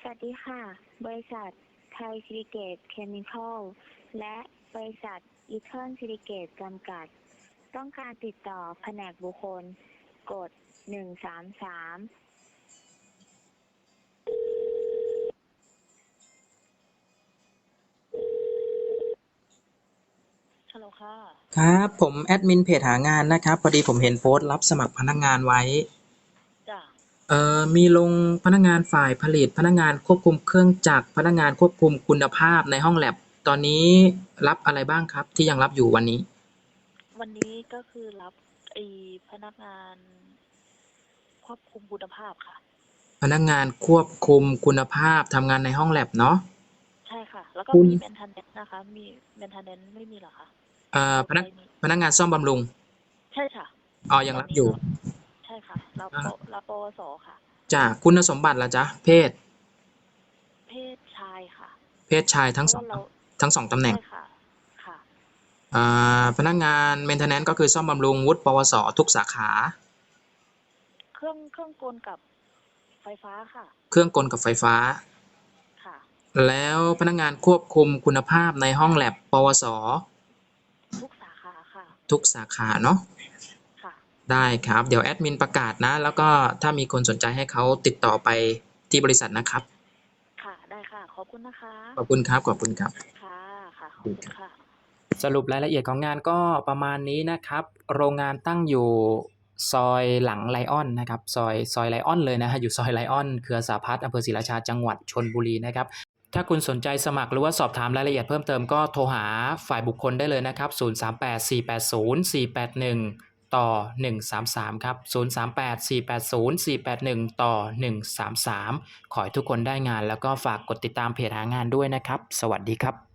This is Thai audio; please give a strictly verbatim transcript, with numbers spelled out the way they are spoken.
วัสดีค่ะ บริษัทไทยซิลิเกตเคมีคอลและบริษัทอีเทิร์นซิลิเกตจำกัด ต้องการติดต่อแผนกบุคคล กด หนึ่ง สาม สาม ฮัลโหลค่ะครับผมแอดมินเพจหางานนะครับพอดีผมเห็นโพสต์รับสมัครพนักงานไว้จ้ะเอ่อมีลงพนักงานฝ่ายผลิตพนักงานควบคุมเครื่องจักรพนักงานควบคุมคุณภาพในห้องแลบตอนนี้รับอะไรบ้างครับที่ยังรับอยู่วันนี้วันนี้ก็คือรับไอ้พนักงานควบคุมคุณภาพค่ะพนักงานควบคุมคุณภาพทำงานในห้องแลบเนาะใช่ค่ะ แล้วก็คุณมี maintenance นะคะ มี maintenance ไม่มีเหรอคะเอ่อเราพนักไปมีพนักงานซ่อมบำรุงใช่ค่ะอ๋อยังรับอยู่ตอนนี้เราใช่ค่ะรับอ่าปรับปวสค่ะจากคุณสมบัติล่ะจ๊ะเพศเพศชายค่ะเพศชายทั้งสองเพราะว่าเราทั้งสองตำแหน่งใช่ค่ะ ค่ะอ่าพนักงาน maintenance ก็คือซ่อมบำรุงวุฒิปวสทุกสาขาเครื่องเครื่องกลกับไฟฟ้าค่ะเครื่องกลกับไฟฟ้าค่ะแล้วพนักงานควบคุมคุณภาพในห้องแลบปวสทุกสาขาค่ะทุกสาขาเนาะค่ะได้ครับเดี๋ยวแอดมินประกาศนะแล้วก็ถ้ามีคนสนใจให้เขาติดต่อไปที่บริษัทนะครับค่ะ ได้ค่ะ ขอบคุณนะคะขอบคุณครับขอบคุณครับค่ะ ค่ะ ขอบคุณค่ะสรุปรายละเอียดของงานก็ประมาณนี้นะครับโรงงานตั้งอยู่ซอยหลังไลออนนะครับซอยซอยไลออนเลยนะฮะอยู่ซอยไลออนเครือสาพัฒน์อำเภอศรีราชาจังหวัดชลบุรีนะครับถ้าคุณสนใจสมัครหรือว่าสอบถามรายละเอียดเพิ่มเติมก็โทรหาฝ่ายบุคคลได้เลยนะครับศูนย์ สาม แปด สี่ แปด ศูนย์ สี่ แปด หนึ่งต่อหนึ่งสามสามครับศูนย์ สาม แปด สี่ แปด ศูนย์ สี่ แปด หนึ่งต่อหนึ่งสามสามขอให้ทุกคนได้งานแล้วก็ฝากกดติดตามเพจหางานด้วยนะครับสวัสดีครับ